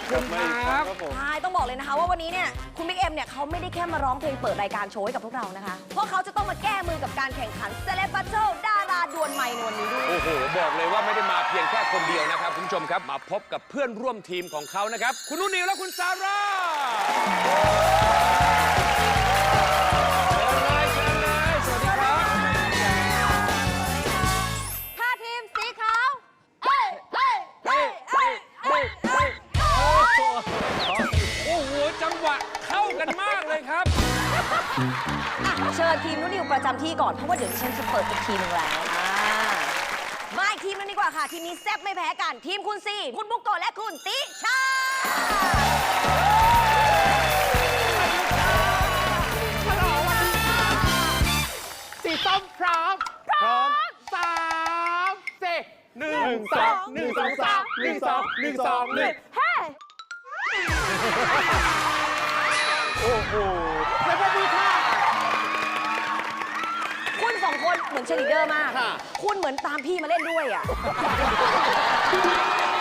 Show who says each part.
Speaker 1: คุณครับ
Speaker 2: ใช่ต้องบอกเลยนะคะว่าวันนี้เนี่ยคุณบิ๊กเอ็มเนี่ยเขาไม่ได้แค่มาร้องเพลงเปิดรายการโชว์ให้กับพวกเรานะคะเพราะเขาจะต้องมาแก้มือกับการแข่งขัน Celeb Battle ดาราดวลไมค์ในวันนี้ด้วย
Speaker 1: โอ้โหบอกเลยว่าไม่ได้มาเพียงแค่คนเดียวนะครับคุณผู้ชมครับมาพบกับเพื่อนร่วมทีมของเขานะครับคุณนุ่นนิวและคุณซาร่า
Speaker 2: ทีมสีขาว
Speaker 1: โอ้โหจังหวะเข้ากันมากเลยครับ
Speaker 2: เชิญทีมนุ่นนิวประจำที่ก่อนเพราะว่าเดี๋ยวดิฉันจะเปิดอีกทีหนึ่งแล้วมาอีกทีมนึงดีกว่าค่ะทีมนี้แซ่บไม่แพ้กันทีมคุณซีคุณบุกโกะและคุณติชา
Speaker 3: สีส้มพร้อม3 4 1 2 1 2 3 1 2 1 2 1
Speaker 2: เฮ้
Speaker 3: โอ้โหสวัสดีค่ะ
Speaker 2: คุณสองคนเหมือนเชลิเดอร์มากคุณเหมือนตามพี่มาเล่นด้วยอ่ะ